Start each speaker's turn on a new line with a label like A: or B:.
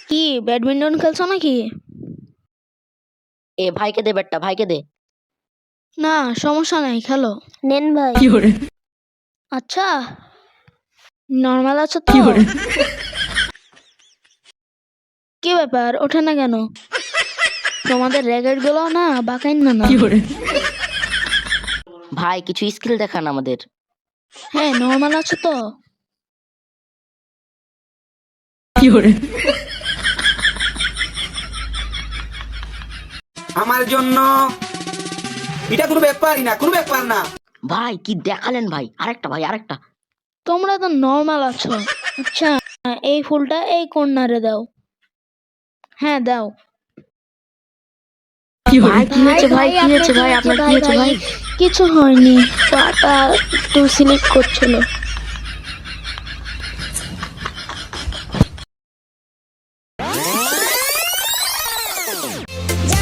A: কি ব্যাডমিন্টন খেলছো নাকি?
B: এ ভাইকে দে ব্যাটটা, ভাইকে দে।
A: না সমস্যা নাই, খেলো।
C: নেন ভাই।
A: আচ্ছা, নর্মাল আছো তো? কি ব্যাপার, ওঠে না কেন? তোমাদের র্যাকেট গুলো না বাঁকাইন না না।
B: ভাই কিছু স্কিল দেখান আমাদের।
A: হ্যাঁ, নর্মাল আছো তো?
D: আমার জন্য এটা কোনো ব্যাপারই না, কোনো ব্যাপার না।
B: ভাই কি দেখালেন ভাই, আরেকটা ভাই আরেকটা।
A: তোমরা তো নর্মাল আছো। আচ্ছা, এই ফুলটা এই কর্নারে দাও। হ্যাঁ দাও।
B: ভাই কি হয়েছে ভাই, কি হয়েছে ভাই, আপনার কি হয়েছে ভাই?
A: কিছু হয়নি, পাটা একটু স্লিপ করছিল।
C: যা